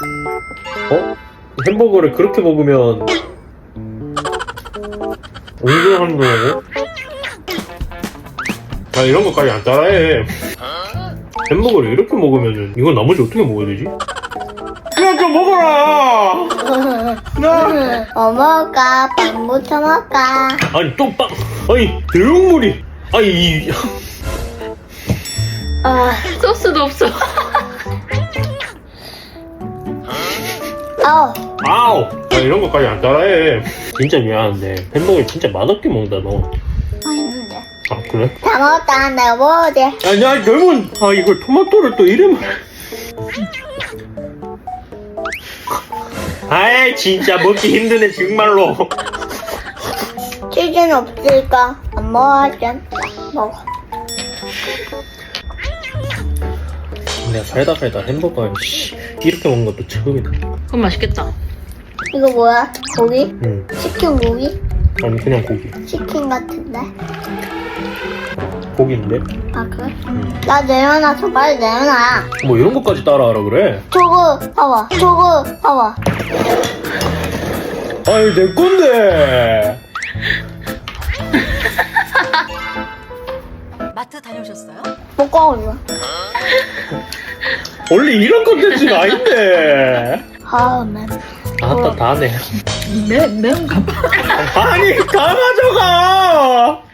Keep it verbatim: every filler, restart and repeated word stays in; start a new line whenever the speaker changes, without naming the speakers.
어? 햄버거를 그렇게 먹으면 옹졸하는 거라고? 아 이런 것까지 안 따라해. 햄버거를 이렇게 먹으면은 이건 나머지 어떻게 먹어야 되지? 그냥 좀 먹어라! 나!
뭐 먹을까? 빵부터 먹을까?
아니 또 빵! 아니 내용물이! 아니 이...
아,
소스도 없어.
아우.
아우! 아 이런 것까지 안 따라해. 진짜 미안한데 햄버거 진짜 맛없게 먹는다 너.
맛있는데.
아 그래?
다 먹었다. 내가 먹어도 돼.
아니 아니 그러면 아 이걸 토마토를 또 이름을 아이 진짜 먹기 힘드네 정말로.
치즈는 없으니까 안 먹어야지. 먹어.
내가 살다 살다 햄버거 씨, 이렇게 먹는 것도 처음이다.
그건 맛있겠다.
이거 뭐야? 고기?
응.
치킨 고기?
아니 그냥 고기.
치킨 같은데?
고기인데?
아, 그래? 나 내려놔서 빨리 내려놔.
뭐 이런 것까지 따라하라 그래?
저거 봐봐. 저거 봐봐.
아니 내 건데.
마트 다녀오셨어요?
못 가고
원래 이런 컨텐츠가 아닌데.
아, 맨.
아따 다네.
매, 매운가 봐.
아니 다 가져가.